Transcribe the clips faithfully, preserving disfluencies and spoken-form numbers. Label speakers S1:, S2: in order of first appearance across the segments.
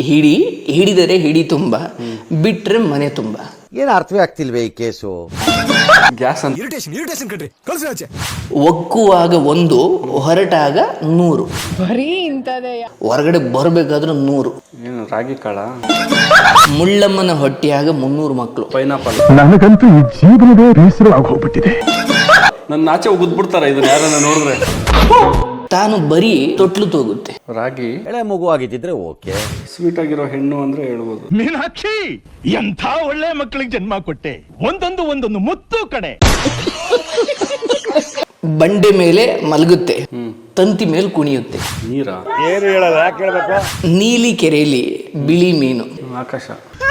S1: ಹಿಡಿ ಹಿಡಿದರೆ ಹಿಡಿ ತುಂಬ, ಬಿಟ್ರೆ ಮನೆ ತುಂಬ.
S2: ಏನು ಅರ್ಥವೇ ಆಗ್ತಿಲ್ವೇ ಈ ಕೇಸು?
S3: ಗ್ಯಾಸ್ ಅಂತ
S4: ಇರಿಟೇಷನ್ ಇರಿಟೇಷನ್ ಕಣ್ರಿ, ಕಳ್ಸಿ ಆಚೆ.
S1: ಒಕ್ಕುವಾಗ ಒಂದು, ಹೊರಟಾಗ ನೂರು.
S5: ಬರೀ ಇಂಥದೇ.
S1: ಹೊರಗಡೆ ಬರಬೇಕಾದ್ರೂ ನೂರು.
S3: ಏನು ರಾಗಿ ಕಾಳ?
S1: ಮುಳ್ಳಮ್ಮನ ಹೊಟ್ಟೆಯಾಗ ಮುನ್ನೂರು ಮಕ್ಕಳು.
S3: ಪೈನಾಪಲ್.
S6: ನನಗಂತೂ ಈ ಜೀವನವೇ ಬೇಸರವಾಗಿ ಹೋಗ್ಬಿಟ್ಟಿದೆ.
S3: ನನ್ನ ಆಚೆ ಉಗಿದ್ಬಿಡ್ತಾರ ಇದನ್ನ ಯಾರನ್ನ ನೋಡಿದ್ರೆ.
S1: ತಾನು ಬರೀ ತೊಟ್ಲು ತೋಗುತ್ತೆ.
S3: ರಾಗಿ
S2: ಎಳೆ ಮಗು ಆಗಿದ್ದಿದ್ರೆ ಓಕೆ.
S3: ಸ್ವೀಟ್ ಆಗಿರೋ ಹೆಣ್ಣು ಅಂದ್ರೆ ಹೇಳ್ಬೋದು.
S6: ಮೀನಾಕ್ಷಿ, ಎಂಥ ಒಳ್ಳೆ ಮಕ್ಕಳಿಗೆ ಜನ್ಮ ಕೊಟ್ಟೆ. ಒಂದೊಂದು ಒಂದೊಂದು ಮುತ್ತು ಕಡೆ.
S1: ಬಂಡೆ ಮೇಲೆ ಮಲಗುತ್ತೆ, ತಂತಿ ಮೇಲೆ ಕುಣಿಯುತ್ತೆ.
S3: ನೀರ?
S6: ಏನು ಹೇಳಲ್ಲ, ಯಾಕೆ ಹೇಳ್ಬೇಕು?
S1: ನೀಲಿ ಕೆರೆಯಲ್ಲಿ ಬಿಳಿ ಮೀನು.
S3: ಆಕಾಶ.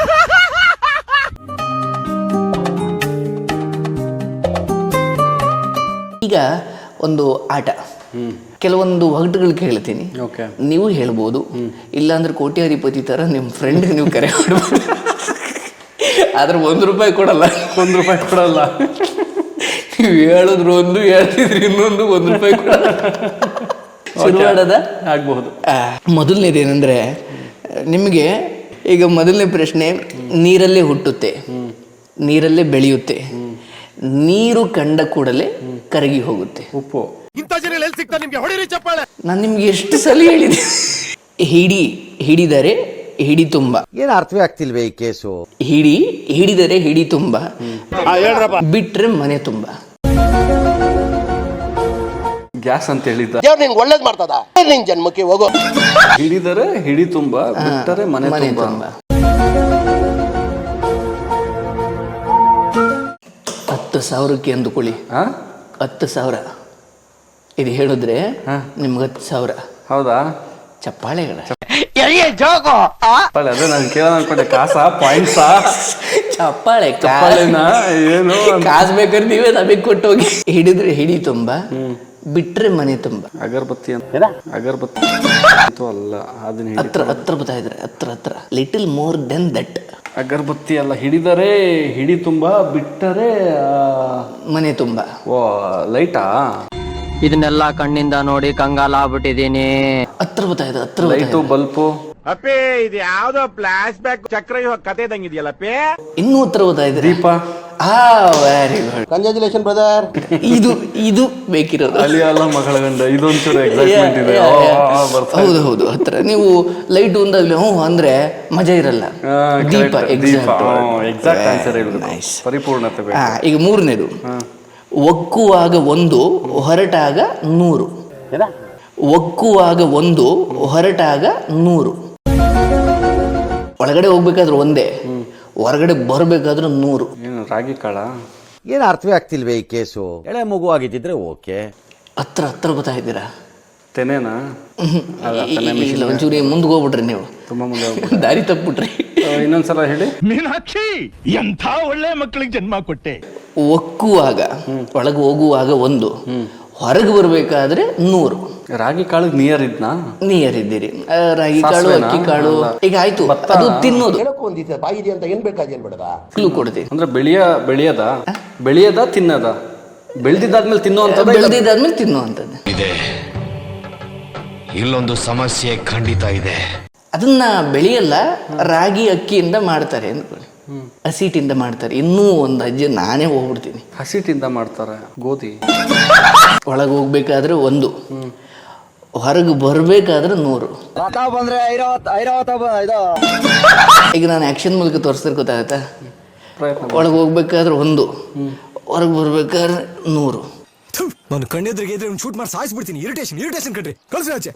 S1: ಈಗ ಒಂದು ಆಟ, ಕೆಲವೊಂದು ಒಗಟುಗಳು ಕೇಳ್ತೀನಿ,
S3: ಓಕೆ,
S1: ನೀವು ಹೇಳ್ಬೋದು. ಇಲ್ಲಾಂದ್ರೆ ಕೋಟ್ಯಾಧಿಪತಿ ತರ ನಿಮ್ಮ ಫ್ರೆಂಡ್ ನೀವು ಕರೆ ಮಾಡ್ಬೋದು. ಆದ್ರೆ ಒಂದು ರೂಪಾಯಿ ಕೊಡಲ್ಲ.
S3: ಒಂದು ರೂಪಾಯಿ ಕೊಡಲ್ಲ.
S1: ನೀವು ಹೇಳಿದ್ರು ಒಂದು, ಹೇಳ್ತಿದ್ರಿ ಇನ್ನೊಂದು, ಒಂದು ರೂಪಾಯಿ ಕೊಡಲ್ಲ. ಶುರು ಮಾಡೋದ?
S3: ಆಗ್ಬಹುದು.
S1: ಮೊದಲನೇದೇನೆಂದ್ರೆ, ನಿಮಗೆ ಈಗ ಮೊದಲನೇ ಪ್ರಶ್ನೆ, ನೀರಲ್ಲೇ ಹುಟ್ಟುತ್ತೆ, ನೀರಲ್ಲೇ ಬೆಳೆಯುತ್ತೆ, ನೀರು ಕಂಡ ಕೂಡಲೇ ಕರಗಿ ಹೋಗುತ್ತೆ.
S3: ಉಪ್ಪು.
S4: ಇಂಥ ಜನ ಎಲ್ಲಿ ಸಿಗ್ತಾರೆ ನಿಮ್ಗೆ? ಹೊಡಿರಿ ಚಪ್ಪಾಳೆ.
S1: ನಾನು ನಿಮ್ಗೆ ಎಷ್ಟು ಸಲ ಹೇಳಿದೆ. ಹಿಡಿ ಹಿಡಿದರೆ ಹಿಡಿ ತುಂಬ.
S2: ಏನು ಅರ್ಥವೇ ಆಗ್ತಿಲ್ವೇ ಈ ಕೇಸು?
S1: ಹಿಡಿ ಹಿಡಿದರೆ ಹಿಡಿ ತುಂಬ, ಬಿಟ್ರೆ ಮನೆ ತುಂಬ.
S3: ಗ್ಯಾಸ್ ಅಂತ ಹೇಳಿದ್ದ.
S7: ದೇವ್ರು ನಿನ್ಗೆ ಒಳ್ಳೇದ್ ಮಾಡ್ತದ, ನಿನ್ ಜನ್ಮಕ್ಕೆ ಹೋಗೋ.
S3: ಹಿಡಿದರೆ ಹಿಡಿ ತುಂಬ, ಬಿಟ್ಟರೆ ಮನೆ
S1: ಮನೆ
S3: ತುಂಬ.
S1: ತುಂಬ. ಹತ್ತು ಸಾವಿರಕ್ಕೆ ಅಂದುಕೊಳ್ಳಿ.
S3: ಹಾ,
S1: ಹತ್ತು ಸಾವಿರ ಇದು ಹೇಳಿದ್ರೆ ನಿಮ್ಗೆ ಹತ್ತು ಸಾವಿರ.
S3: ಹೌದಾ?
S1: ಚಪ್ಪಾಳೆಗಳ
S3: ಚಪ್ಪಾಳೆ. ಅದೇ ನಾನು ಕೇಳೋಣ ಅನ್ಕೊಂಡೆ. ಕಾಸಾ ಪಾಯಿಂಟ್ಸಾ?
S1: ಚಪ್ಪಾಳೆ.
S3: ಚಪ್ಪಾಳೆನ ಏನು
S1: ಕಾಸು ಬೇಕಾದ್ರೆ ನೀವೇ ನಮಗೆ ಕೊಟ್ಟೋಗಿ. ಹಿಡಿದ್ರೆ ಹಿಡಿ ತುಂಬ, ಬಿಟ್ರೆ ಮನೆ ತುಂಬ.
S3: ಅಗರಬತ್ತಿ ಅಂತ. ಅಗರಬತ್ತಿ ಅಲ್ಲ, ಅದನ್ನ
S1: ಹತ್ರ ಹತ್ರ ಬರ್ತಾ ಇದ್ರೆ, ಹತ್ರ ಹತ್ರ, ಲಿಟಲ್ ಮೋರ್ ದೆನ್ ದಟ್.
S3: ಅಗರಬತ್ತಿ ಅಲ್ಲ. ಹಿಡಿದರೆ ಹಿಡಿ ತುಂಬ, ಬಿಟ್ಟರೆ
S1: ಮನೆ ತುಂಬ.
S3: ಓ, ಲೈಟಾ?
S8: ಇದನ್ನೆಲ್ಲ ಕಣ್ಣಿಂದ ನೋಡಿ ಕಂಗಾಲ ಆಗ್ಬಿಟ್ಟಿದೀನಿ.
S1: ಹತ್ರ ಬರ್ತಾ ಇದೆ, ಹತ್ರ
S3: ಲೈಟು, ಬಲ್ಪು.
S6: ಅಪ್ಪೇ, ಇದು ಯಾವ್ದೋ ಫ್ಲಾಶ್ ಬ್ಯಾಕ್ ಚಕ್ರ ಕತೆ ಇದಂಗಿದೆಯಲ್ಲಪ್ಪೇ.
S1: ಇನ್ನೂ ಹತ್ರ ಬರ್ತಾ ಇದ್ರೆ.
S3: ದೀಪ.
S1: ಆ ವೆರಿ ಗುಡ್,
S7: ಕಂಗ್ರಾಚುಲೇಷನ್ ಬ್ರದರ್.
S1: ಇದು ಇದು ಬೇಕಿರೋದು.
S3: ಅಲಿ ಅಲ್ಲ ಮಗಳ ಗಂಡ. ಇದೊಂಚೂರು ಎಕ್ಸೈಟ್ಮೆಂಟ್ ಇದೆ.
S1: ಹೌದು ಹೌದು, ಹತ್ರ. ನೀವು ಲೈಟ್ ಒಂದಾಗ್ಲಿ ಹ್ಞೂ ಅಂದ್ರೆ ಮಜಾ ಇರಲ್ಲ. ದೀಪ.
S3: ಎಕ್ಸಾಕ್ಟ್ ಆನ್ಸರ್ ಹೇಳಿದ್ರು. ಪರಿಪೂರ್ಣತೆ ಬೇಕು.
S1: ಈಗ ಮೂರನೇದು, ಒಕ್ಕುವಾಗ ಒಂದು, ಹೊರಟಾಗ ನೂರು. ಒಕ್ಕುವಾಗ ಒಂದು, ಹೊರಟಾಗ ನೂರು. ಒಳಗಡೆ ಹೋಗ್ಬೇಕಾದ್ರೆ ಒಂದೇ, ಹೊರಗಡೆ ಬರಬೇಕಾದ್ರೂ ನೂರು.
S3: ಏನು ರಾಗಿ ಕಾಳ?
S2: ಏನು ಅರ್ಥವೇ ಆಗ್ತಿಲ್ವೇ ಈ ಕೇಸು? ಎಳೆ ಮಗು ಆಗಿದ್ದಿದ್ರೆ ಓಕೆ.
S1: ಹತ್ರ ಹತ್ರ ಬರ್ತಾ ಇದ್ದೀರಾ.
S3: ತೆನೆನಾ?
S1: ಇಲ್ಲ, ಒಂಚೂರಿ ಮುಂದೆ ಹೋಗ್ಬಿಟ್ರಿ ನೀವು.
S3: ತುಂಬಾ ಮುಂದೆ
S1: ದಾರಿ ತಪ್ಪಿಬಿಟ್ರಿ.
S3: ಇನ್ನೊಂದ್ಸಲ ಹೇಳಿ.
S6: ಮೀನಾಕ್ಷಿ, ಎಂಥ ಒಳ್ಳೆ ಮಕ್ಕಳಿಗೆ ಜನ್ಮ ಕೊಟ್ಟೆ.
S1: ಒಕ್ಕುವಾಗ, ಒಳಗೆ ಹೋಗುವಾಗ ಒಂದು, ಹೊರಗೆ ಬರ್ಬೇಕಾದ್ರೆ ನೂರು.
S3: ರಾಗಿ ಕಾಳು ನಿಯರ್ ಇದ್ನಾ?
S1: ನಿಯರ್ ಇದ್ದೀರಿ. ರಾಗಿ ಕಾಳು, ಅಕ್ಕಿ ಕಾಳು. ಈಗ ಆಯ್ತು, ಅದು ತಿನ್ನೋದು.
S7: ಹೇಳಕ್ಕೂ ಒಂದಿದೆ ಬಾಯಿದೆ ಅಂತ ಏನ್ ಬೇಕಾದ ಏನ್ ಬೇಡದ?
S1: ಕ್ಲೂ ಕೊಡ್ತೀವಿ.
S3: ಅಂದ್ರೆ ಬೆಳೆಯ ಬೆಳೆಯದ ಬೆಳೆಯದ ತಿನ್ನದ? ಬೆಳೆದಿದ್ದಾದ್ಮೇಲೆ ತಿನ್ನುವಂಥದ್ದು.
S1: ಬೆಳೆದಿದ್ದಾದ್ಮೇಲೆ ತಿನ್ನುವಂಥದ್ದು.
S9: ಇದೆ, ಇಲ್ಲೊಂದು ಸಮಸ್ಯೆ ಖಂಡಿತ ಇದೆ.
S1: ಅದನ್ನ ಬೆಳೆಯಲ್ಲ, ರಾಗಿ ಅಕ್ಕಿಯಿಂದ ಮಾಡ್ತಾರೆ ಅಂದ್ಕೊಳ್ಳಿ, ಹಸಿಟ್ಟಿಂದ ಮಾಡ್ತಾರೆ. ಇನ್ನೂ ಒಂದು ಅಜ್ಜಿ ನಾನೇ ಹೋಗ್ಬಿಡ್ತೀನಿ.
S3: ಹಸಿಟ್ಟಿಂದ ಮಾಡ್ತಾರೆ. ಗೋಧಿ.
S1: ಒಳಗೆ ಹೋಗ್ಬೇಕಾದ್ರೆ ಒಂದು, ಹೊರಗೆ ಬರ್ಬೇಕಾದ್ರೆ ನೂರು.
S7: ಬಂದ್ರೆ
S1: ಈಗ ನಾನು ಆಕ್ಷನ್ ಮೂಲಕ ತೋರಿಸ್ತಾರೆ, ಗೊತ್ತಾಗತ್ತಾ?
S3: ಪ್ರಯತ್ನ.
S1: ಒಳಗೆ ಹೋಗ್ಬೇಕಾದ್ರೆ ಒಂದು, ಹೊರಗೆ ಬರ್ಬೇಕಾದ್ರೆ ನೂರು.
S4: ನಾನು ಕಣ್ಣೆದ್ರಿಗೆ ಇದ್ರೆ ಶೂಟ್ ಮಾಡಿ ಸಾಯಿಸ್ಬಿಡ್ತೀನಿ. ಇರಿಟೇಷನ್ ಇರಿಟೇಷನ್ ಕಣ್ರಿ, ಕಳ್ಸಿ ಆಚೆ.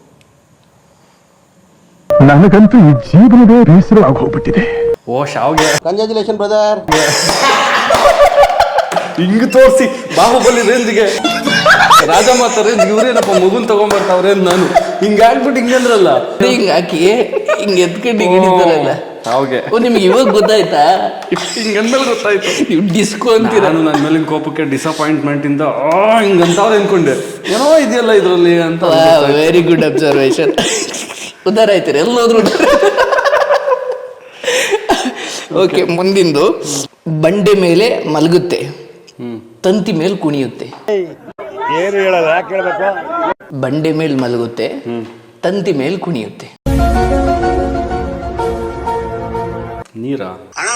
S6: ನನಗಂತೂ ಈ ಜೀವನವೇ ಬೇಸರವಾಗಿ ಹೋಗ್ಬಿಟ್ಟಿದೆ.
S3: ಓ, ಶಾವ್ಗೆ.
S7: Congratulation brother.
S3: ಹಿಂಗ್ ತೋರಿಸಿ ಬಾಹುಬಲಿ ರೇಂಜ್ಗೆ, ರಾಜಮಾತ ರೇಂಜ್ ಇವ್ರೇನಪ್ಪ ಮಗುನ್ ತಗೊಂಡ್ಬರ್ತಾವ್ರೆ. ನಾನು ಹಿಂಗ ಆಗ್ಬಿಟ್ಟು ಹಿಂಗಂದ್ರಲ್ಲ,
S1: ಹಿಂಗ್ ಹಾಕಿ ಹಿಂಗ್ ಎತ್ಕೊಂಡು ಹಿಂಗ್ ಹಿಡಿತಾರಲ್ಲ.
S3: ಶಾವ್ಗೆ.
S1: ಓ, ನಿಮ್ಗೆ ಇವಾಗ ಗೊತ್ತಾಯ್ತಾ?
S3: ಹಿಂಗಂದ್ಮೇಲೆ ಗೊತ್ತಾಯ್ತು.
S1: ನೀವು ಡಿಸ್ಕೋ ಅಂತೀರ.
S3: ನಾನು ನನ್ನ ಮೇಲಿನ ಕೋಪಕ್ಕೆ ಡಿಸಪಾಯಿಂಟ್ಮೆಂಟ್ ಇಂದ ಆ ಹಿಂಗಂತವ್ರೆ ಅನ್ಕೊಂಡೆ. ಏನೋ ಇದೆಯಲ್ಲ ಇದ್ರಲ್ಲಿ ಅಂತ.
S1: Very good observation. ಉದ್ದಾರ ಆಯ್ತಾರೆ ಎಲ್ಲೋದ್ರು. ಓಕೆ, ಮುಂದಿಂದು, ಬಂಡೆ ಮೇಲೆ ಮಲಗುತ್ತೆ, ತಂತಿ ಮೇಲೆ ಕುಣಿಯುತ್ತೆ.
S6: ಏನು ಹೇಳಲ್ಲ, ಯಾಕೆ ಹೇಳ್ಬೇಕು?
S1: ಬಂಡೆ ಮೇಲೆ ಮಲಗುತ್ತೆ, ತಂತಿ ಮೇಲೆ ಕುಣಿಯುತ್ತೆ.
S3: ನೀರಾ?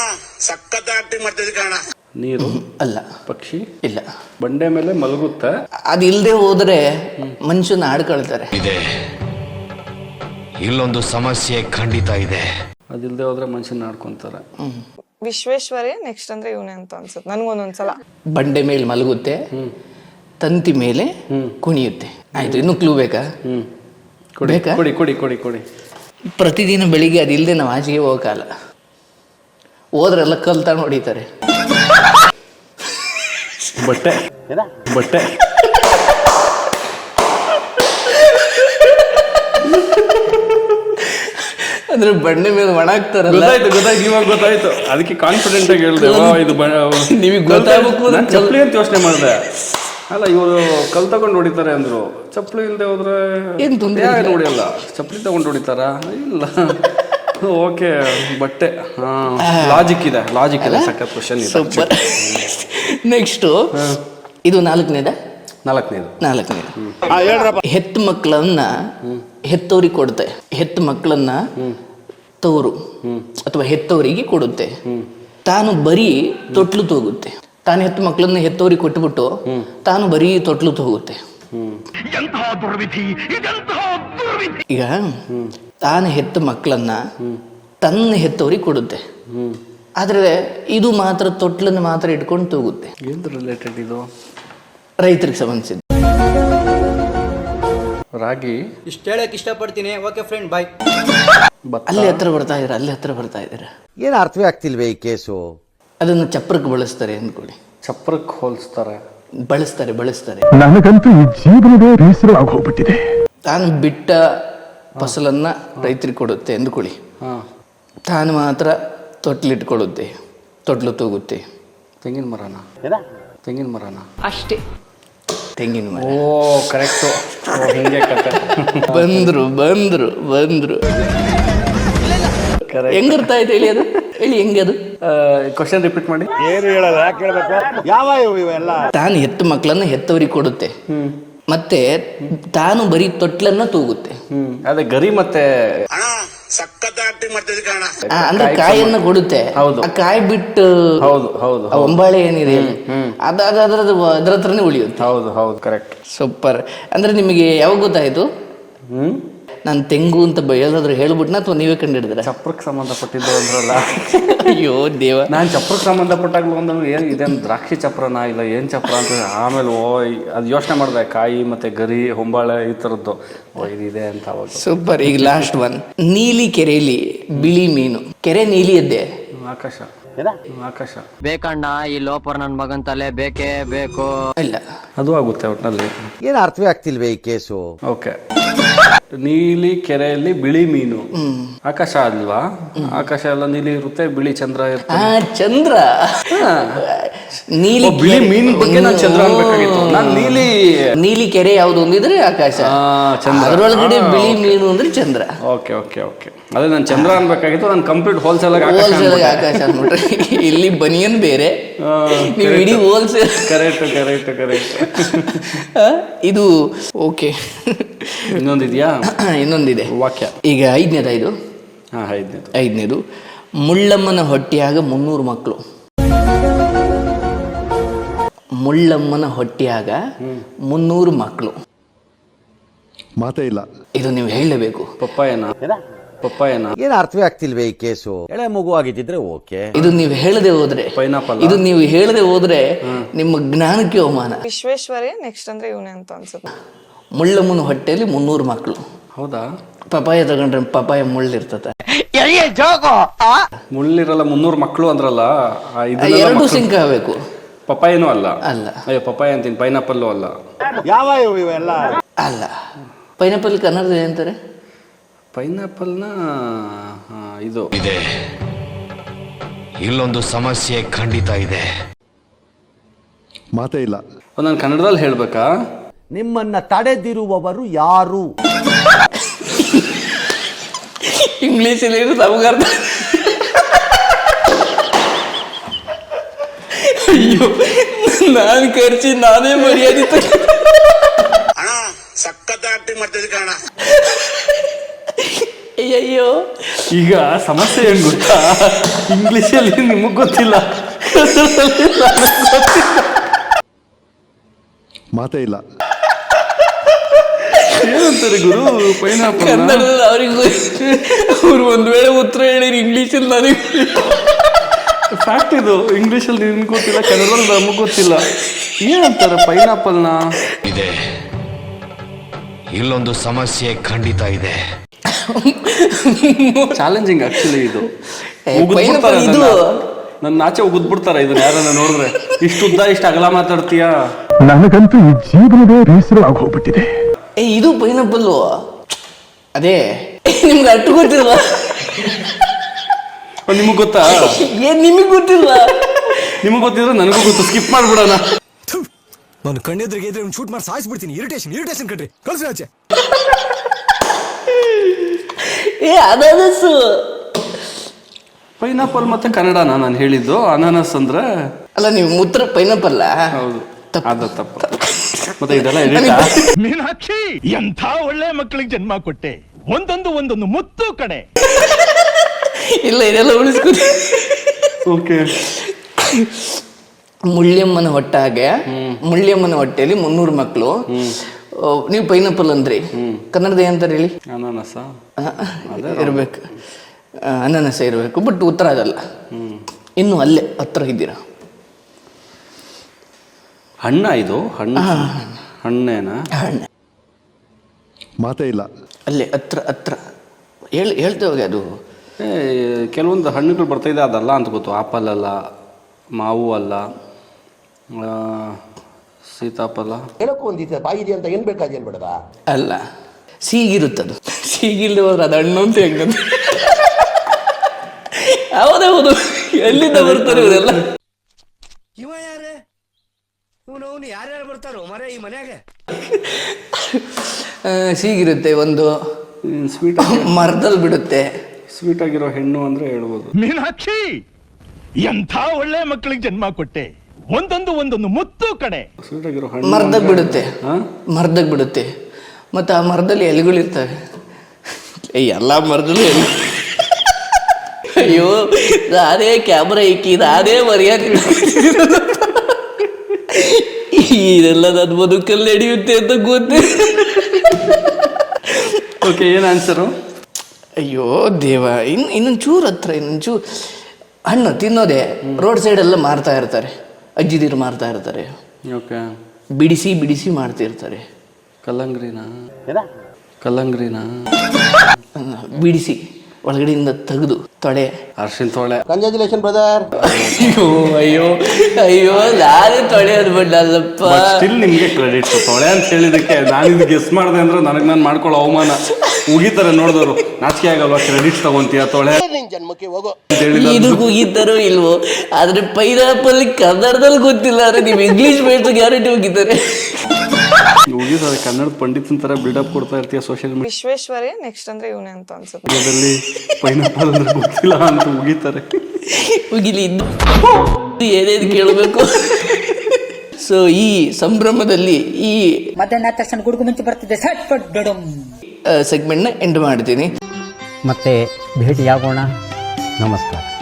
S3: ನೀರು
S1: ಅಲ್ಲ.
S3: ಪಕ್ಷಿ
S1: ಇಲ್ಲ.
S3: ಬಂಡೆ ಮೇಲೆ ಮಲಗುತ್ತೆ.
S1: ಅದಿಲ್ಲದೆ ಹೋದ್ರೆ ಮನುಷ್ಯನ ಆಡ್ಕೊಳ್ತಾರೆ.
S9: ಇದೆ ಇಲ್ಲೊಂದು ಸಮಸ್ಯೆ ಖಂಡಿತ ಇದೆ.
S3: ಅದಿಲ್ಲದೆ ಹೋದ್ರೆ ಮನುಷ್ಯನ ಆಡ್ಕೊಂತಾರೆ.
S5: ವಿಶ್ವೇಶ್ವರೇ ನೆಕ್ಸ್ಟ್ ಅಂದ್ರೆ ಇವನೇ ಅಂತ ಅನ್ಸುತ್ತೆ ನನ್ಗೊಂದೊಂದ್ಸಲ.
S1: ಬಂಡೆ ಮೇಲೆ ಮಲಗುತ್ತೆ, ತಂತಿ ಮೇಲೆ ಕುಣಿಯುತ್ತೆ. ಆಯ್ತು, ಇನ್ನು ಕ್ಲೂ ಬೇಕಾ?
S3: ಹ್ಮ್ ಕೊಡಿ
S1: ಬೇಕಾ?
S3: ಕೊಡಿ ಕೊಡಿ ಕೊಡಿ ಕೊಡಿ.
S1: ಪ್ರತಿದಿನ ಬೆಳಿಗ್ಗೆ ಅದಿಲ್ಲದೆ ನಾವು ಆಚೆಗೆ ಹೋಗಲ್ಲ. ಹೋದ್ರೆಲ್ಲ ಕಲ್ ತಗೊಂಡು ಹೊಡಿತಾರೆ.
S3: ಬಟ್ಟೆ ಬಟ್ಟೆ
S1: ಅಂದ್ರೆ ಬಂಡೆ ಮೇಲೆ ಒಣಗ್ತಾರಲ್ಲ.
S3: ಗೊತ್ತಾಯ್ತು ಗೊತ್ತಾಯ್ತು ಇವಾಗ ಗೊತ್ತಾಯ್ತು. ಅದಕ್ಕೆ ಕಾನ್ಫಿಡೆಂಟ್ ಆಗಿ ಹೇಳ್ದೆ ಇದು
S1: ನಿಮಗೆ ಗೊತ್ತಾಗಬೇಕು.
S3: ನಾನು ಚಪ್ಪಲಿ ಅಂತ ಯೋಚನೆ ಮಾಡಿದೆ. ಅಲ್ಲ ಇವರು ಕಲ್ ತಗೊಂಡು ಹೊಡಿತಾರೆ ಅಂದ್ರು. ಚಪ್ಪಲಿ ಇಲ್ಲದೆ ಹೋದ್ರೆ
S1: ಏನ್ ತೊಂದ್ರೆ
S3: ಯಾರು ಹೊಡಿಯಲ್ಲ. ಚಪ್ಪಲಿ ತಗೊಂಡು ಹೊಡಿತಾರ? ಇಲ್ಲ. ಓಕೆ ಬಟ್ಟೆ. ಹಾ ಲಾಜಿಕ್ ಇದೆ ಲಾಜಿಕ್ ಇದೆ. ಸಖತ್ ಕ್ವಶನ್ ಇದೆ.
S1: ಸೂಪರ್. ನೆಕ್ಸ್ಟು ಇದು ನಾಲ್ಕನೇದ
S3: ನಾಲ್ಕನೇದು
S1: ನಾಲ್ಕನೇದು ಹೆತ್ತು ಮಕ್ಕಳನ್ನ ಹೆತ್ತವರಿಗೆ ಕೊಡುತ್ತೆ. ಹೆತ್ತು ಮಕ್ಕಳನ್ನ ತವರು ಅಥವಾ ಹೆತ್ತವರಿಗೆ ಕೊಡುತ್ತೆ. ತಾನು ಬರೀ ತೊಟ್ಲು ತೋಗುತ್ತೆ. ತಾನು ಹೆತ್ತು ಮಕ್ಕಳನ್ನ ಹೆತ್ತವರಿಗೆ ಕೊಟ್ಟುಬಿಟ್ಟು ತಾನು ಬರೀ ತೊಟ್ಲು ತೋಗುತ್ತೆ. ಈಗ ತಾನು ಹೆತ್ತ ಮಕ್ಕಳನ್ನ ತನ್ನ ಹೆತ್ತವರಿಗೆ ಕೊಡುತ್ತೆ. ಆದ್ರೆ ಇದು ಮಾತ್ರ ತೊಟ್ಲನ್ನು ಮಾತ್ರ ಇಟ್ಕೊಂಡು ತೋಗುತ್ತೆ.
S3: ಏನು ರಿಲೇಟೆಡ್ ಇದು?
S1: ರೈತರಿಗೆ ಸಂಬಂಧಿಸಿದ.
S3: ರಾಗಿ.
S10: ಇಷ್ಟು ಹೇಳಕ್ ಇಷ್ಟಪಡ್ತೀನಿ. Okay friend, bye.
S1: ಅಲ್ಲಿ ಹತ್ರ ಬರ್ತಾ ಇದ್ದೀರಾ, ಅಲ್ಲಿ ಹತ್ರ ಬರ್ತಾ ಇದ್ದೀರಾ.
S2: ಏನು ಅರ್ಥವೇ ಆಗ್ತಿಲ್ವೇ ಈ ಕೇಸು?
S1: ಅದನ್ನು ಚಪ್ರಕ್ಕೆ ಬಳಸ್ತಾರೆ ಅಂದ್ಕೊಳ್ಳಿ.
S3: ಚಪ್ರಕ್ಕೆ ಹೋಲಿಸ್ತಾರೆ.
S1: ಬಳಸ್ತಾರೆ ಬಳಸ್ತಾರೆ
S6: ನನಗಂತೂ ಈ ಜೀವನವೇ ಬೇಸರ ಆಗೋಗ್ಬಿಟ್ಟಿದೆ.
S1: ತಾನು ಬಿಟ್ಟ ಫಸಲನ್ನ ರೈತರಿಗೆ ಕೊಡುತ್ತೆ ಅಂದ್ಕೊಳ್ಳಿ. ತಾನು ಮಾತ್ರ ತೊಟ್ಲಿಟ್ಕೊಳ್ಳುತ್ತೆ, ತೊಟ್ಲು ತೂಗುತ್ತೆ.
S3: ತೆಂಗಿನ ಮರನ? ತೆಂಗಿನ ಮರನ?
S5: ಅಷ್ಟೇ.
S1: ತೆಂಗಿನ ಮರ.
S3: ಓ ಕರೆಕ್ಟು. ಹಿಂಗೆ ಕತೆ.
S1: ಬಂದ್ರು ಬಂದ್ರು ಬಂದ್ರು ಹೆಂಗಿರ್ತಾ ಇದೆ ಹೇಳಿ, ಅದು ಹೇಳಿ ಹೆಂಗೆ ಅದು.
S3: ಕ್ವಶನ್ ರಿಪೀಟ್ ಮಾಡಿ.
S1: ತಾನು ಹೆತ್ತು ಮಕ್ಕಳನ್ನ ಹೆತ್ತವರಿಗೆ ಕೊಡುತ್ತೆ, ಮತ್ತೆ ತಾನು ಬರೀ ತೊಟ್ಲನ್ನ ತೂಗುತ್ತೆ.
S3: ಹ್ಮ್ ಅದೇ ಗರಿ ಮತ್ತೆ
S1: ಆ, ಅಂದ್ರೆ ಕಾಯಿಯನ್ನ ಕೊಡುತ್ತೆ.
S3: ಹೌದು.
S1: ಆ ಕಾಯಿ ಬಿಟ್ಟು
S3: ಹೌದು ಹೌದು
S1: ಆ ಒಂಬಾಳೆ ಏನಿದೆ ಅದ ಅದ್ರದ್ದು ಅದ್ರ ಹತ್ರನೇ ಉಳಿಯುತ್ತೆ.
S3: ಹೌದು ಹೌದು ಕರೆಕ್ಟ್.
S1: ಸೂಪರ್. ಅಂದ್ರೆ ನಿಮಗೆ ಯಾವಾಗ ಗೊತ್ತಾಯ್ತು?
S3: ಹ್ಮ್
S1: ನಾನು ತೆಂಗು ಅಂತ ಎಲ್ಲಾದ್ರೂ ಹೇಳ್ಬಿಟ್ನ ಅಥವಾ ನೀವೇ ಕಂಡು ಹಿಡಿದ್ರ?
S3: ಚಪ್ರಕ್ಕೆ ಸಂಬಂಧಪಟ್ಟಿದ್ದು ಅಂದ್ರಲ್ಲ.
S1: ಅಯ್ಯೋ ದೇವ.
S3: ನಾನು ಚಪ್ರಕ್ಕೆ ಸಂಬಂಧಪಟ್ಟಾಗ್ಲು ಒಂದಂದ್ರೆ ಏನು ಇದೇನು ದ್ರಾಕ್ಷಿ ಚಪ್ರನ ಇಲ್ಲ ಏನು ಚಪ್ರ ಅಂತ ಆಮೇಲೆ ಓ ಅದು ಯೋಚನೆ ಮಾಡಿದೆ. ಕಾಯಿ ಮತ್ತೆ ಗರಿ ಹೊಂಬಾಳೆ ಈ ಥರದ್ದು ಓ ಇದಿದೆ ಅಂತ ಅವಾಗ.
S1: ಸೂಪರ್. ಈಗ ಲಾಸ್ಟ್ ಒನ್. ನೀಲಿ ಕೆರೆಯಲ್ಲಿ ಬಿಳಿ ಮೀನು. ಕೆರೆ ನೀಲಿ ಇದ್ದೆ,
S3: ಆಕಾಶ ಆಕಾಶ
S8: ಬೇಕಣ್ಣ ಈ ಲೋಪರ್ ನನ್ ಮಗನ್ ತಲೆ ಬೇಕೇ ಬೇಕು.
S1: ಇಲ್ಲ
S3: ಅದು ಆಗುತ್ತೆ ಒಟ್ಟಿನಲ್ಲಿ.
S2: ಏನು ಅರ್ಥವೇ ಆಗ್ತಿಲ್ವೇ ಈ ಕೇಸು?
S3: ಓಕೆ. ನೀಲಿ ಕೆರೆಯಲ್ಲಿ ಬಿಳಿ ಮೀನು. ಆಕಾಶ ಅಲ್ವಾ? ಆಕಾಶ ಎಲ್ಲ ನೀಲಿ ಇರುತ್ತೆ, ಬಿಳಿ ಚಂದ್ರ ಇರುತ್ತೆ.
S1: ಆ ಚಂದ್ರ. ನೀಲಿ
S3: ಬಿಳಿ ಮೀನ್ ಬಗ್ಗೆ ನಾನು ಚಂದ್ರ ಅನ್ಬೇಕಾಗಿತ್ತು. ನಾನು ನೀಲಿ
S1: ನೀಲಿ ಕೆರೆ ಯಾವ್ದು ಅಂದಿದ್ರೆ ಆಕಾಶ,
S3: ಚಂದ್ರ.
S1: ಅದರೊಳಗಡೆ ಬಿಳಿ ಮೀನು ಅಂದ್ರೆ ಚಂದ್ರ.
S3: ಓಕೆ ಓಕೆ ಓಕೆ ಅದೇ ನಾನು ಚಂದ್ರ ಅನ್ಬೇಕಾಗಿತ್ತು. ನಾನು ಕಂಪ್ಲೀಟ್ ಹೋಲ್ಸೇಲ್
S1: ಹೋಲ್ಸೇಲ್ ಆಕಾಶ ಅನ್ಬಿಟ್ರೆ ಇಲ್ಲಿ ಬನಿಯನ್ ಬೇರೆ, ನೀವು ಇಡೀ ಹೋಲ್ಸೇಲ್.
S3: Correct correct correct.
S1: ಇದು ಓಕೆ.
S3: ಇನ್ನೊಂದಿದೆಯಾ?
S1: ಇನ್ನೊಂದಿದೆ
S3: ವಾಕ್ಯ.
S1: ಈಗ ಐದನೇದ ಇದು.
S3: ಹಾ ಐದನೇದು.
S1: ಐದನೇದು. ಮುಳ್ಳಮ್ಮನ ಹೊಟ್ಟೆಯಾಗ ಮುನ್ನೂರು ಮಕ್ಕಳು. ಮುಳ್ಳಮ್ಮನ ಹೊಟ್ಟೆಯಾಗ ಮುನ್ನೂರು ಮಕ್ಕಳು.
S4: ಮಾತೇ ಇಲ್ಲ.
S1: ಇದು ನೀವು ಹೇಳಲೇಬೇಕು.
S3: ಪಪ್ಪಾಯನ? ಪಪ್ಪಾಯನ?
S2: ಏನು ಅರ್ಥವೇ ಆಗ್ತಿಲ್ವೇ ಈ ಕೇಸು? ಎಳೆ ಮಗು ಆಗಿದ್ದಿದ್ರೆ ಓಕೆ.
S1: ಇದು ನೀವು ಹೇಳದೆ ಹೋದ್ರೆ,
S3: ಪೈನಾಪಲ್.
S1: ಇದು ನೀವು ಹೇಳದೆ ಹೋದ್ರೆ ನಿಮ್ಮ ಜ್ಞಾನಕ್ಕೆ ಅವಮಾನ.
S5: ವಿಶ್ವೇಶ್ವರೇ ನೆಕ್ಸ್ಟ್ ಅಂದ್ರೆ ಇವನೇ ಅಂತ ಅನ್ಸುತ್ತೆ.
S1: ಮುಳ್ಳಮ್ಮನ ಹೊಟ್ಟೆಯಲ್ಲಿ ಮುನ್ನೂರು ಮಕ್ಕಳು.
S3: ಹೌದಾ?
S1: ಪಪಾಯ ತಗೊಂಡ್ರೆ ಪಪಾಯ ಮುಳ್ಳಿರ್ತದೆ.
S3: ಮುಳ್ಳಿರಲ್ಲ, ಮುನ್ನೂರು ಮಕ್ಕಳು ಅಂದ್ರಲ್ಲ.
S1: ಎರಡು ಸಿಂಕ್ ಆಗಬೇಕು.
S3: ಪಪ್ಪಾಯನೂ ಅಲ್ಲ.
S1: ಅಲ್ಲ.
S3: ಅಯ್ಯೋ ಪಪ್ಪಾಯ ಅಂತೀನಿ. ಪೈನಾಪಲ್ಲು ಅಲ್ಲ.
S2: ಯಾವ ಇವೆಲ್ಲ
S1: ಅಲ್ಲ. ಪೈನಾಪಲ್ ಕನ್ನಡದ ಏನಂತಾರೆ?
S3: ಪೈನಾಪಲ್ನ ಇದು
S9: ಇದೆ ಇಲ್ಲೊಂದು ಸಮಸ್ಯೆ ಖಂಡಿತ ಇದೆ.
S4: ಮಾತೇ ಇಲ್ಲ.
S3: ನಾನು ಕನ್ನಡದಲ್ಲಿ ಹೇಳ್ಬೇಕಾ?
S2: ನಿಮ್ಮನ್ನ ತಡೆದಿರುವವರು ಯಾರು?
S1: ಇಂಗ್ಲೀಷಲ್ಲಿ ನಮಗರ್ಥ. ಅಯ್ಯೋ ನಾನು ಖರ್ಚಿ ನಾನೇ ಮರ್ಯಾದೆ ಅಯ್ಯಯ್ಯೋ
S3: ಈಗ ಸಮಸ್ಯೆ ಏನ್ ಗೊತ್ತಾ, ಇಂಗ್ಲಿಷಲ್ಲಿ ನಿಮಗ್ ಗೊತ್ತಿಲ್ಲ, ಕನ್ನಡದಲ್ಲಿ ನನಗ್ ಗೊತ್ತಿಲ್ಲ.
S4: ಮಾತೇ ಇಲ್ಲ.
S3: ಏನಂತಾರೆ ಗುರು ಪೈನಾಪಲ್?
S1: ಕನ್ನಡದಲ್ಲಿ ಅವ್ರಿಗೂ ಅವ್ರು ಒಂದ್ ವೇಳೆ ಉತ್ತರ ಹೇಳಿರಿ ಇಂಗ್ಲೀಷಲ್ಲಿ ನನಗೆ
S3: ಫ್ಯಾಕ್ಟ್ ಇದು. ಇಂಗ್ಲೀಷಲ್ಲಿ ನಿಮ್ಗೆ ಗೊತ್ತಿಲ್ಲ, ಕನ್ನಡದಲ್ಲಿ ನಮಗ್ ಗೊತ್ತಿಲ್ಲ. ಏನಂತಾರೆ ಪೈನಾಪಲ್ನ?
S9: ಇದೆ, ಇಲ್ಲೊಂದು ಸಮಸ್ಯೆ ಖಂಡಿತ ಇದೆ.
S3: ಚಾಲೆಂಜಿಂಗ್ ಆಕ್ಚುಲಿ ಇದು.
S1: ಪೈನಾಪಲ್ ಇದು
S3: ನನ್ನ ಆಚೆ ಉಗಿದ್ಬಿಡ್ತಾರ ಇದನ್ನ ಯಾರನ್ನ ನೋಡಿದ್ರೆ. ಇಷ್ಟು ಉದ್ದ ಇಷ್ಟು ಅಗಲ ಮಾತಾಡ್ತೀಯ?
S6: ನನಗಂತೂ ಈ ಜೀವನವೇ ಬೇಸರ ಆಗೋಗ್ಬಿಟ್ಟಿದೆ.
S1: ಏ ಇದು ಪೈನಾಪಲ್ಲು. ಅದೇ ನಿಮ್ಗೆ ಅಟ್ಟು ಗೊತ್ತಿಲ್ಲ.
S3: ನಿಮಗ್ ಗೊತ್ತಾ?
S1: ಏನ್ ನಿಮಗ್ ಗೊತ್ತಿಲ್ಲ?
S3: ನಿಮಗ್ ಗೊತ್ತಿದ್ರೆ ನನಗೂ ಗೊತ್ತು. ಸ್ಕಿಪ್ ಮಾಡ್ಬಿಡೋಣ.
S4: ನಾನು ಕಣ್ಣೆದ್ರಿಗೆ ಇದ್ರೆ ಶೂಟ್ ಮಾಡಿ ಸಾಯಿಸ್ಬಿಡ್ತೀನಿ. ಇರಿಟೇಷನ್ ಇರಿಟೇಷನ್ ಕಣ್ರಿ, ಕಳ್ಸಿ ಆಚೆ.
S1: ಏ ಅನಾನಸ್ಸು.
S3: ಪೈನಾಪಲ್ ಮತ್ತೆ ಕನ್ನಡನ ನಾನು ಹೇಳಿದ್ದು. ಅನಾನಸ್ ಅಂದ್ರೆ
S1: ಅಲ್ಲ ನೀವು ಉತ್ತರ ಪೈನಾಪಲ್ಲ.
S3: ಹೌದು, ಅದ ತಪ್ಪ. ಮತ್ತೆ ಇದೆಲ್ಲ ಎಡಿಟಾ?
S6: ಮೀನಾಕ್ಷಿ, ಎಂಥ ಒಳ್ಳೆ ಮಕ್ಕಳಿಗೆ ಜನ್ಮ ಕೊಟ್ಟೆ. ಒಂದೊಂದು ಒಂದೊಂದು ಮುತ್ತು ಕಡೆ.
S1: ಇಲ್ಲ ಇದೆಲ್ಲ ಉಳಿಸ್ಕೊಡಿ.
S3: ಓಕೆ.
S1: ಮುಳ್ಳಿಯಮ್ಮನ ಹೊಟ್ಟಾಗೆ ಮುಳ್ಳಿಯಮ್ಮನ ಹೊಟ್ಟೆಯಲ್ಲಿ ಮುನ್ನೂರು ಮಕ್ಕಳು. ನೀವು ಪೈನಾಪಲ್ ಅಂದ್ರಿ, ಕನ್ನಡದ ಏನಂತಾರೆ ಹೇಳಿ?
S3: ಅನಾನಸ
S1: ಇರ್ಬೇಕು, ಅನಾನಸ ಇರಬೇಕು. ಬಟ್ ಉತ್ತರ ಅದಲ್ಲ. ಇನ್ನು ಅಲ್ಲೇ ಹತ್ರ ಇದ್ದೀರಾ.
S3: ಹಣ್ಣ ಇದು? ಹಣ್ಣು ಹಣ್ಣೇನಾ?
S1: ಹಣ್ಣೆ.
S4: ಮಾತೇ ಇಲ್ಲ.
S1: ಅಲ್ಲೇ ಹತ್ರ ಹತ್ರ ಹೇಳ್ ಹೇಳ್ತೇವೆ ಅದು.
S3: ಏ ಕೆಲವೊಂದು ಹಣ್ಣುಗಳು ಬರ್ತಾ ಇದೆ, ಅದಲ್ಲ ಅಂತ ಗೊತ್ತು. ಆಪಲ್ ಅಲ್ಲ, ಮಾವು ಅಲ್ಲ, ಸೀತಾಫಲ.
S7: ಹೇಳಕ್ಕೂ ಒಂದಿದೆ ಬಾಯಿ ಇದೆ ಅಂತ ಏನ್ ಬೇಕಾದ ಏನ್ ಬೇಡದ?
S1: ಅಲ್ಲ, ಸೀಗಿರುತ್ತದು. ಸೀಗಿಲ್ದೆ ಹೋದ್ರೆ ಅದು ಹಣ್ಣು ಅಂತ ಹೆಂಗಂತ. ಹೌದೌದು, ಎಲ್ಲಿಂದ ಬರ್ತಾರೆ ಇವರೆಲ್ಲ?
S10: ಇವ ಯಾರೇ ಇವನು ಯಾರ್ಯಾರು ಬರ್ತಾರೋ ಮರ ಈ ಮನ್ಯಾಗ?
S1: ಸೀಗಿರುತ್ತೆ, ಒಂದು
S3: ಸ್ವೀಟ್
S1: ಮರದಲ್ಲಿ ಬಿಡುತ್ತೆ.
S3: ಸ್ವೀಟ್ ಆಗಿರೋ ಹೆಣ್ಣು ಅಂದ್ರೆ ಹೇಳ್ಬೋದು.
S6: ಮೀನಾಕ್ಷಿ, ಎಂಥ ಒಳ್ಳೆ ಮಕ್ಕಳಿಗೆ ಜನ್ಮ ಕೊಟ್ಟೆ. ಒಂದೊಂದು ಒಂದೊಂದು ಮುತ್ತು ಕಡೆ.
S3: ಸ್ವೀಟ್ ಆಗಿರೋ ಹಣ್ಣು
S1: ಮರದಾಗ ಬಿಡುತ್ತೆ, ಮರದಾಗ ಬಿಡುತ್ತೆ. ಮತ್ತು ಆ ಮರದಲ್ಲಿ ಎಲೆಗಳಿರ್ತವೆ. ಎಲ್ಲ ಮರದಲ್ಲೂ ಎಲೆ. ಅಯ್ಯೋ, ಅದೇ ಕ್ಯಾಮ್ರಾ ಇಕ್ಕಿ ಅದೇ ಮರ್ಯಾದೆ. ಇದೆಲ್ಲ ನನ್ನ ಬದುಕಲ್ಲಿ ನಡೆಯುತ್ತೆ ಅಂತ ಗೊತ್ತೇ.
S3: ಓಕೆ, ಏನು ಆನ್ಸರು?
S1: ಅಯ್ಯೋ ದೇವ, ಇನ್ನು ಇನ್ನೊಂದು ಚೂರು ಹತ್ರ, ಇನ್ನೊಂದು ಚೂರು. ಹಣ್ಣು ತಿನ್ನೋದೇ ರೋಡ್ ಸೈಡೆಲ್ಲ ಮಾರ್ತಾ ಇರ್ತಾರೆ, ಅಜ್ಜಿದಿರು ಮಾರ್ತಾ ಇರ್ತಾರೆ.
S3: ಓಕೆ.
S1: ಬಿಡಿಸಿ ಬಿಡಿಸಿ ಮಾಡ್ತಿರ್ತಾರೆ.
S3: ಕಲ್ಲಂಗ್ರಿನಾ? ಕಲ್ಲಂಗ್ರಿನಾ?
S1: ಬಿಡಿಸಿ ಒಳಗಡೆಯಿಂದ ತೆಗೆದು ತೊಳೆ.
S3: ಅರ್ಶಿನ ತೊಳೆ.
S7: Congratulation brother.
S1: ಅಯ್ಯೋ ಅಯ್ಯೋ ಅಯ್ಯೋ, ನಾನೇ ತೊಳೆ ಅಂದ್ಬಿಟ್ಟಲ್ಲಪ್ಪ.
S3: ಸ್ಟಿಲ್ ನಿಮ್ಗೆ ಕ್ರೆಡಿಟ್. ತೊಳೆ ಅಂತ ಹೇಳಿದಕ್ಕೆ ನಾನು ಇದು ಗೆಸ್ ಮಾಡಿದೆ ಅಂದ್ರೆ ನನಗೆ ನಾನು ಮಾಡ್ಕೊಳ್ಳೋ ಅವಮಾನ. ಉಗಿತಾರೆ ನೋಡಿದವರು, ನಾಚಿಕೆ ಆಗಲ್ವಾ? ಕ್ರೆಡಿಟ್ಸ್ ತಗೊಂತೀಯ ತೊಳೆ
S7: ನಿನ್ ಜನ್ಮಕ್ಕೆ ಹೋಗೋ.
S1: ಇದು ಉಗಿತಾರೋ ಇಲ್ವೋ, ಆದ್ರೆ ಪೈನಾಪಲ್ ಕನ್ನಡದಲ್ಲಿ ಗೊತ್ತಿಲ್ಲ ಅಂದ್ರೆ ನೀವು ಇಂಗ್ಲಿಷ್ ಬೇಸ್ ಗ್ಯಾರಂಟಿ ಉಗಿತಾರೆ.
S3: ಉಗಿತಾರೆ. ಕನ್ನಡ ಪಂಡಿತನ ತರ ಬಿಲ್ಡಪ್ ಕೊಡ್ತಾ ಇರ್ತೀಯ ಸೋಷಿಯಲ್ ಮೀಡಿಯಾ.
S5: ವಿಶ್ವೇಶ್ವರಯ್ಯ ನೆಕ್ಸ್ಟ್ ಅಂದ್ರೆ ಇವನೇ ಅಂತ ಅನ್ಸುತ್ತೆ.
S3: ಮೀಡಿಯಾದಲ್ಲಿ ಪೈನಾಪಲ್ ಅಂದ್ರೆ ಗೊತ್ತಿಲ್ಲ ಅಂತ ಉಗಿತಾರೆ.
S1: ಉಗಿಲಿ ಇನ್ನು ಏನೇನು ಕೇಳಬೇಕು. ಸೊ ಈ ಸಂಭ್ರಮದಲ್ಲಿ ಈ
S11: ಮಧ್ಯಾಹ್ನ ತಕ್ಷಣ ಗುಡುಗು ಮುಂಚೆ ಬರ್ತಿದ್ದೆ ಸಟ್ ಪಟ್ ಡಡಮ್
S1: ಸೆಗ್ಮೆಂಟ್ನ ಎಂಡ್ ಮಾಡ್ತೀನಿ.
S2: ಮತ್ತೆ ಭೇಟಿಯಾಗೋಣ. ನಮಸ್ಕಾರ.